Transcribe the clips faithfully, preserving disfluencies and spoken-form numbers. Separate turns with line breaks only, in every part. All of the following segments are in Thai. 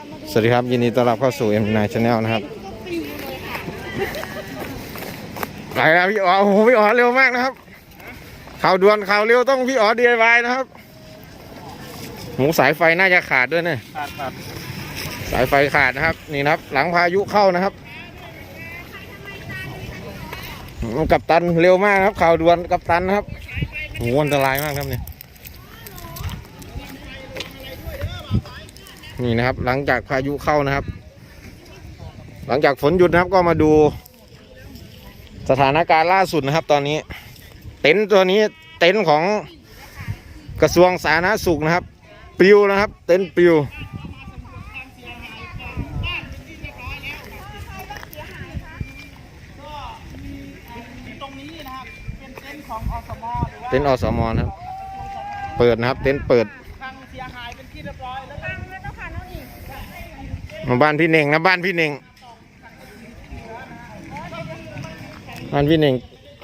สวัสดีครับยินดีต้อนรับเข้าสู่ เอ็ม ไนน์ Channel นะครับไปแล้วพี่อ๋อโอ้โหพี่อ๋อเร็วมากนะครับข่าวด่วนข่าวเร็วต้องพี่อ๋อ ดี ไอ วาย นะครับหมูสายไฟน่าจะขาดด้วยเนี่ยขาดขาดสายไฟขาดนะครับนี่นะครับหลังพายุเข้านะครับกัปตันเร็วมากครับข่าวด่วนกัปตันนะครับโหอันตรายมากครับเนี่ยนี่นะครับหลังจากพายุเข้านะครับหลังจากฝนหยุดนะครับก็มาดูสถานการณ์ล่าสุดนะครับตอนนี้เต็นท์ตัวนี้เต็นท์ของกระทรวงสาธารณสุขนะครับปลิวนะครับเต็นท์ปลิว
ตรงนี้นะครับเป็นเต็นท์ของอสมหรือว่า
เต็นท์อสมนะครับเปิดนะครับเต็นท์เปิด
ทางเสียหายเป็นที่เรียบร้อยแล้วตั้งแล้วต้องผ่านน้องอีก
มาบ้านพี่เน่งนะบ้านพี่เน่งบ้านพี่เน่ง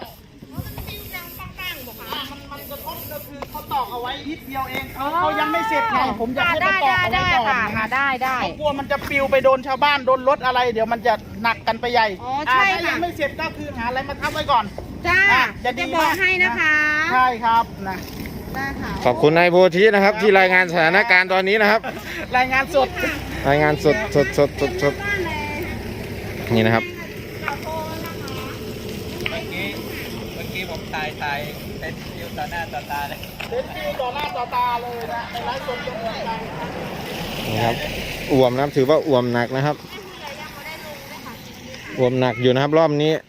มันกระทบก็คือเขาตอกเอาไว้นิดเดียวเองเขาเขายังไม่เสร็จไงผมอยากให้เขาตอกเอาไว้ก่อน
ค่ะได้ได้
กลัวมันจะปลิวไปโดนชาวบ้านโดนรถอะไรเดี๋ยวมันจะหนักกันไปใหญ่
อ๋อใช่ค่ะ
ถ้ายังไม่เสร็จก็คือหาอะไรมาทับไว้ก่อน
จ้าจะบอกให้นะคะ
ใช่ครับนะ
ขอบคุณนายโพธินะครับที่รายงานสถานการณ์ตอนนี้นะครับ
รายงานสด
รายงานสดสดสดสดสดนี่นะครับ
เมื่อกี้เมื่อกี้ผมถ่ายถ่ายเต็นท์ฟิวต่อหน้าต่อตาเลยเต็นท์ฟิวต่อหน้าต่อตาเลยนะในไลฟ์สดจะเหมือนกัน
นี่ครับอ่วมนะครับถือว่าอ่วมหนักนะครับอ่วมหนักอยู่นะครับรอบนี้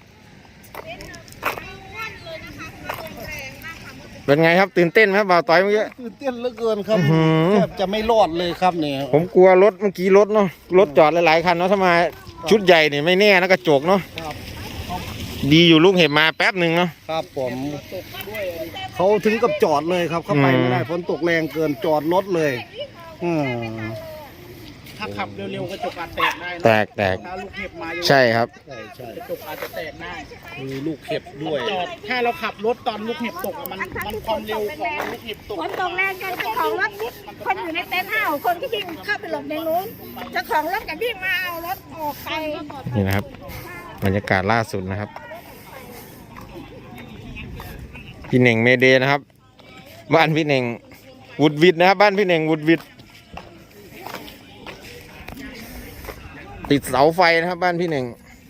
เป็นไงครับตื่นเต้นไหมบ่าวต้อยเมื่อกี้
ตื่นเต้นเหลือเกินครับแทบจะไม่รอดเลยครับเนี่ย
ผมกลัวรถเมื่อกี้รถเนาะรถจอดหลายๆคันเนาะถ้ามาชุดใหญ่เนี่ยไม่แน่นะกระจกเนาะดีอยู่ลูกเห็บมาแป๊บหนึ่งเนาะ
ครับผมเขาถึงกับจอดเลยครับเข้าไปไม่ได้ฝนตกแรงเกินจอดรถเลยอืมถ้าขับเร็วๆกระจกอาจแตกได้
แตกแตก
ถ้าลูกเห็บมา
ใช่ครับ
ใช่ใช่กระจกอาจจะแตกได้มีลูกเห็บด้วยจอดถ้าเราขับรถตอนลูกเห็บตกมันมันความเร็วของลูกเห็บตก
ฝนตกแรงกันเจ้าของรถคนอยู่ในเต็นท์ห้าคนก็วิ่งเข้าไปหลบในนู้นเจ้าของรถก็วิ่งมาเอารถออกไป
นี่นะครับบรรยากาศล่าสุดนะครับพี่เน่งเมเดนะครับบ้านพี่เน่งวุดวิดนะครับบ้านพี่เน่งวุดวิดติดเสาไฟนะครับบ้านพี่เน่ง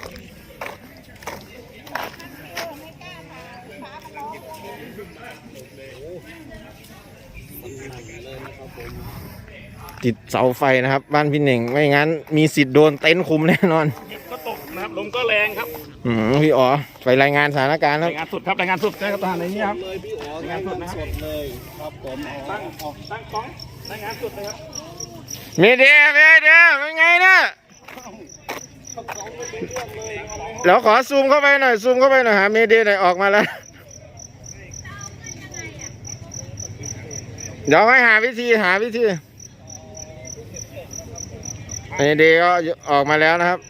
ติดเสาไฟนะครับบ้านพี่เน่งไม่งั้นมีสิทธิ์โดนเต็นท์คุมแน่นอน
ก็ตกนะครับลมก็แรงครับ
อืมพี่อ๋อไปรายงานสถานการณ์ครับ
รายงานสุดครับรายงานสุดนะครับทหารในนี้ครับเลยพี่อ๋อรายงานสุดนะสดเลยครับผมตั้งตั้งกล้องรายงานสุดเลยครับ
เมเดเมเดเป็นไงเนี่ยเดี๋ยวขอซูมเข้าไปหน่อยซูมเข้าไปหน่อยหาเมเดหน่อยออกมาแล้วเดี๋ยวให้หาวิธีหาวิธีเมเดก็ออกมาแล้วนะครับ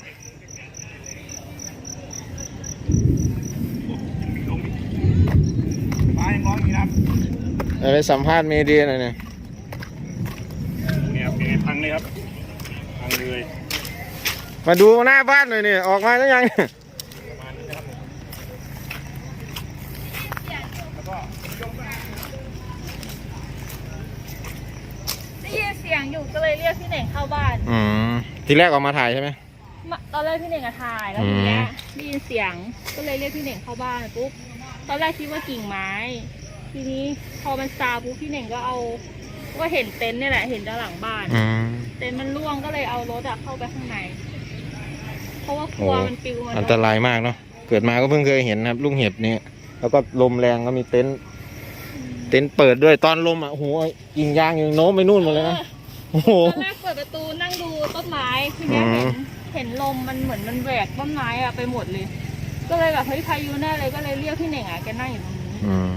ไปสัมภาษณ์เมเดหน่อยเนี่ย
เนี่ยเป็นไงพังเลยครับพังเลย
มาดูหน้าบ้านหน่อยเนี่ยออกมาแล้วยัง
ได้ยินเสียงอยู่ก็เลยเรียกพี่เน่งเข้าบ้าน
อืมทีแรกออกมาถ่ายใช่ไหม
ตอนแรกพี่เน่งก็ถ่ายแล้วทีเนี้ยได้ยินเสียงก็เลยเรียกพี่เน่งเข้าบ้านปุ๊บตอนแรกคิดว่ากิ่งไม้ทีนี้พอมันซาปุ๊บพี่เน่งก็เอาก็เห็นเต็นท์นี่แหละเห็นด้านหลังบ้านเต็นท์มันร่วงก็เลยเอารถอะเข้าไปข้างในเพราะว่ากลัวมันปิวมัน
อันตรายมากเนาะเกิดมาก็เพิ่งเคยเห็นนะครับลูกเห็บนี้แล้วก็ลมแรงก็มีเต็นท์เต็นท์เปิดด้วยตอนลมอ่ะโอ้โหกิ่งยางยังโน้มไปนู่นหมดเลยนะโอ้โห
ตอนแรกเปิดประตูนั่งดูต้นไม้ทีนี้เห็นเห็นลมมันเหมือนมันแหวกต้นไม้อะไปหมดเลยก็เลยแบบเฮ้ยพายุแน่เลยก็เลยเรียกพี่เน่งอะแกนั่งอยู่ตรงนี้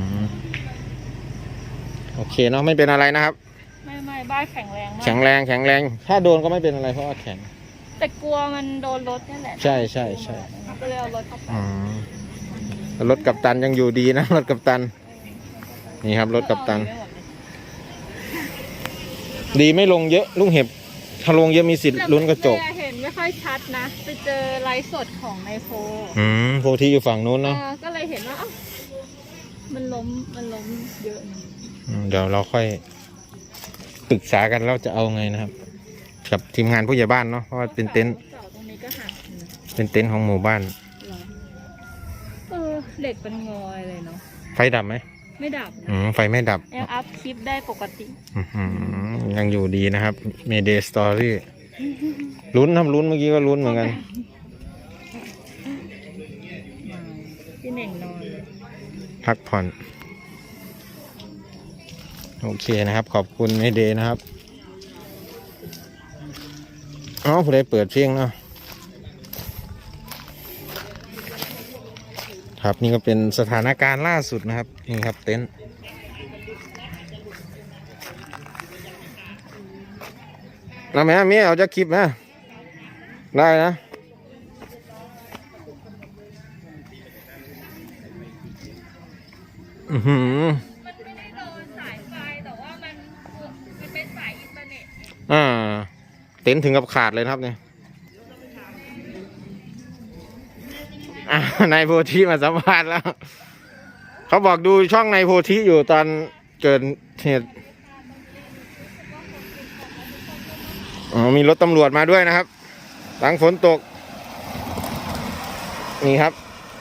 โอเคเนาะไม่เป็นอะไรนะครับ
ไม่ไม่บ้านแข็งแรงมาก
แข็งแรงแข็งแรงถ้าโดนก็ไม่เป็นอะไรเพราะว่าแข็ง
แต่กลัวมันโดนรถนี่แหละ
ใช่ใช่ใช่
ก็เลยเอารถเข้าไป
รถกัปตันยังอยู่ดีนะรถกัปตันนี่ครับรถกัปตันดีไม่ลงเยอะลูกเห็บถ้าลงเยอะมีสิทธิ์ลุ้นกระจก
แต่เห็นไม่ค่อยชัดนะไปเจอไลฟ์สดของนายโฟ
อืมโพธิอยู่ฝั่งนู้น
เอ
เนาะ
อก็เลยเห็นว่าเอ้ามันล้มมันล้มเยอะนะ
อืมเดี๋ยวเราค่อยปรึกษากันแล้วจะเอาไงนะครับ กับทีมงานผู้ใหญ่บ้านเนาะเพราะว่าเป็นเต็นท์
เสาตรงนี้ก็หักอยู่นะ
เป็นเต็นท์ของหมู่บ้าน
เหรอเออเหล็กเป็นงอยเลยเนาะ
ไฟดับไหม
ไม่ดับ
อืมไฟไม่ดับ
ยังอัพคลิปได้ปกติ
อื้อหือยังอยู่ดีนะครับ Mayday Story ลุ้นทำลุ้นเมื่อกี้ก็ลุ้นเหมือนกัน
พี่เน่งนอน
พักผ่อน โอเคนะครับ ขอบคุณ Mayday นะครับอ๋อผู้ใดเปิดเพลงเนาะครับนี่ก็เป็นสถานการณ์ล่าสุดนะครับ นี่ครับเต็นท์แล้วแม่เมียเอาจะคลิปนะได้นะ อือหือ
มันไม่ได้โดนสายไฟแต่ว่ามันมันเป็นสายอินเทอร์เน็ต
อ่า เต็นท์ถึงกับขาดเลยนะครับเนี่ยอ่านายโพธิมาสัมภาษณ์แล้ว เขาบอกดูช่องนายโพธิอยู่ตอนเกิดเหตุอ๋อมีรถตำรวจมาด้วยนะครับ หลังฝนตก นี่ครับ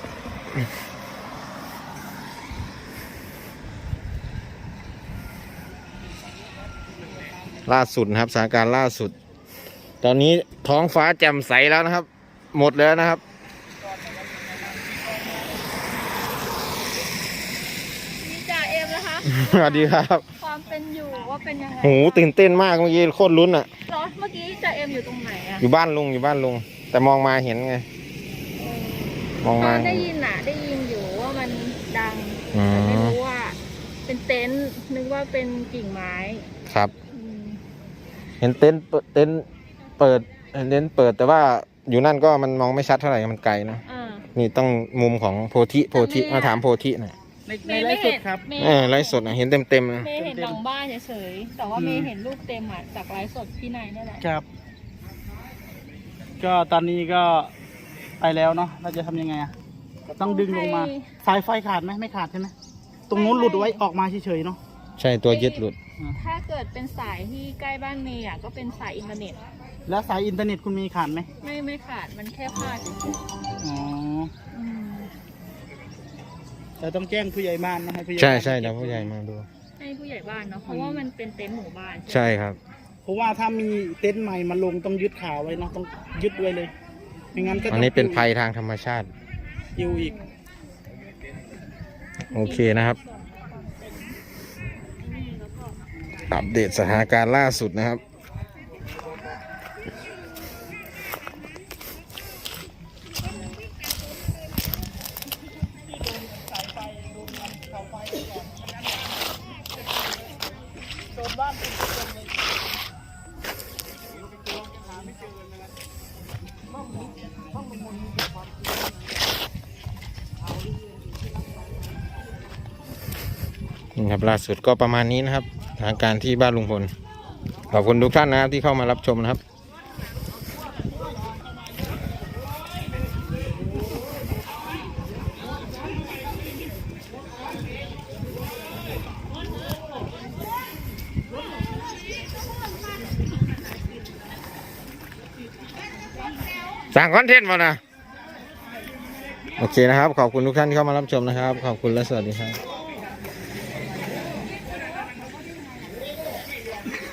ล่าสุดนะครับสถานการณ์ล่าสุด ตอนนี้ท้องฟ้าแจ่มใสแล้วนะครับ หมดแล้วนะครับ
มีจ่าเอ็มนะคะ
สวัสดีครับ
ความเป็นอยู่ว่าเป็นยังไง
โหตื่นเต้นมากเมื่อกี้โคตรลุ้นอ่ะ
เหรอเมื่อกี้จ่าเอ็มอยู่ตรงไหนอะ
อยู่บ้านลุงอยู่บ้านลุง แต่มองมาเห็นไง มอง
ต
มา
อนได้ยินอะได้ยินอยู่ว่ามันดัง
อืม
แต่ไม่รู้ว่า เป็นเต็นท์นึกว่าเป็นกิ่งไม้
ครับ
อืม
เห็นเต็นท์เปิดเต็นท์เปิดเห็นเต็นท์เปิดแต่ว่าอยู่นั่นก็มันมองไม่ชัดเท่าไหร่มันไกลนะ
อ่า
นี่ต้องมุมของโพธิโพธิ
แต่แม่
มาถามโพธิหน่อย
ในในไลฟ์สดครับ
เมย์
เออไลฟ์สดนะเห็นเต็มเต็มๆนะ
เมย์เห็นหลังบ้านเฉยๆแต่ว่าเมย์เห็นรูปเต็มอะจากไลฟ์สดพี่นายนี่แหละ
ครับ ก็ตอนนี้ก็ไปแล้วเนาะเราจะทำยังไงอะต้องดึงลงมา สายไฟขาดไหมไม่ขาดใช่ไหมตรงนู้นหลุดไว้ออกมาเฉยๆเนาะ
ใช่ตัวยึดหลุด
ถ้าเกิดเป็นสายที่ใกล้บ้านเมย์อะก็เป็นสายอินเทอร์เน็ต
แล้วสายอินเทอร์เน็ตคุณมีขาดไหม
ไม่ไม่ขาดมันแค่พลาดเฉย
อ๋อ
ๆอืม
แต่ต้องแจ้งผู้ใหญ่บ้านนะให้ผู้ใหญ่
ใช่
บ้าน
ใช่เดี๋ยวผู้ใหญ่มาดู
ให้ผู้ใหญ่บ้านเนาะเพราะว่ามันเป็นเต็นท์หมู่บ้าน
ใช่ครับ
เพราะว่าถ้ามีเต็นท์ใหม่มาลงต้องยึดขาไว้เนาะต้องยึดไว้เลยไม่งั้นก็ต้
อั
อน ง
นี้เป็นภัยทางธรรมชาติ
อยู่อีก
โอเคนะครับ อัปเดตสถานการณ์ล่าสุดนะครับ นี่ครับล่าสุดก็ประมาณนี้นะครับสถานการณ์ที่บ้านลุงพล ขอบคุณทุกท่านนะครับที่เข้ามารับชมนะครับ สั่งคอนเทนต์มานะ โอเคนะครับ ขอบคุณทุกท่านที่เข้ามารับชมนะครับ ขอบคุณและสวัสดีครับ